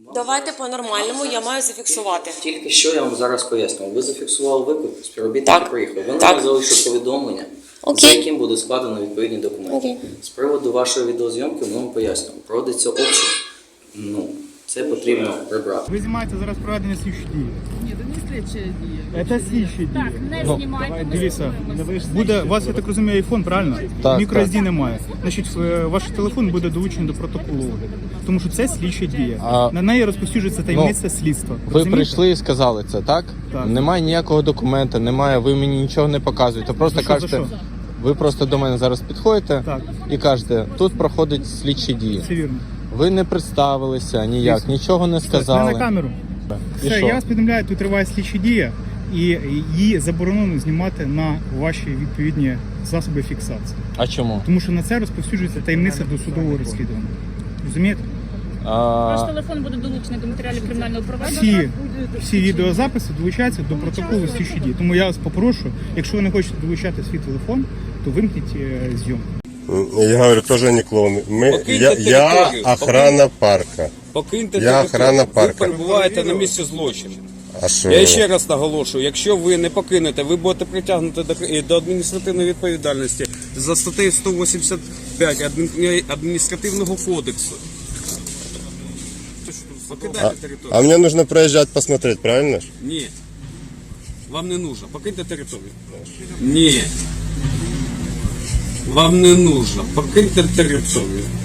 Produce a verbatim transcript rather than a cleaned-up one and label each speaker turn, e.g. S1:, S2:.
S1: Давайте по-нормальному, я маю зафіксувати.
S2: Тільки що я вам зараз пояснював. Ви зафіксували виклик, співробітник
S1: Так.
S2: приїхав. Ви
S1: Так.
S2: нам залишили повідомлення,
S1: Окей.
S2: за яким буде складено відповідні документи.
S1: Окей.
S2: З приводу вашої відеозйомки ми вам пояснюємо. Проводиться обшук. Ну, це потрібно прибрати.
S3: Ви знімаєте зараз проведення слідчі дії.
S4: Ні, це не слідчі дії.
S3: Це слідчі дії.
S4: Так, не
S3: Ну,
S4: знімайте. ми
S3: Дивіться,
S4: спілкуємося.
S3: буде, у вас, я так розумію, айфон, правильно?
S5: Так,
S3: Мікро-ес ді немає. Значить, е, ваш телефон буде долучений до протоколу огляду. Тому що це слідча дія.
S5: А-
S3: На неї розповсюджується таємниця слідства.
S5: Ви
S3: Розумієте?
S5: прийшли і сказали це, так?
S3: Так.
S5: Немає ніякого документа, немає, ви мені нічого не показуєте. Просто
S3: За що, за
S5: кажете,
S3: що?
S5: ви просто до мене зараз підходите
S3: Так.
S5: і кажете, тут проходять слідчі дії.
S3: Все вірно.
S5: Ви не представилися ніяк,
S3: Звісно.
S5: нічого не
S3: Не
S5: сказали.
S3: на камеру.
S5: І
S3: Все,
S5: що?
S3: я вас повідомляю, тут триває слідча дія, і її заборонено знімати на ваші відповідні засоби фіксації.
S5: А чому?
S3: Тому що на це розповсюджується таємниця до судового розслідування. Розумієте?
S4: Ваш
S5: А,
S4: телефон буде долучений до матеріалів кримінального провадження.
S3: Всі, всі відеозаписи долучаються до протоколу слідчі дії. Тому я вас попрошу, якщо ви не хочете долучати свій телефон, то вимкніть е, зйомку.
S6: Я говорю, тоже не клоуны. Мы,
S7: Покиньте
S6: я, я
S7: територію.
S6: охрана парка.
S7: Покиньте
S6: Я
S7: територію.
S6: охрана
S7: Ви
S6: парка.
S7: перебуваєте на місці злочину.
S6: А що?
S7: Я ще раз наголошую, якщо ви не покинете, ви будете притягнути до, до адміністративної відповідальності за статтею сто вісімдесят п'ять адмін- адміністративного кодексу. Покидайте територію.
S6: А мне нужно проезжать посмотреть, правильно ж?
S7: Ні. Вам не нужно. Покиньте територію. Ні. Вам не нужно. Покиньте територію.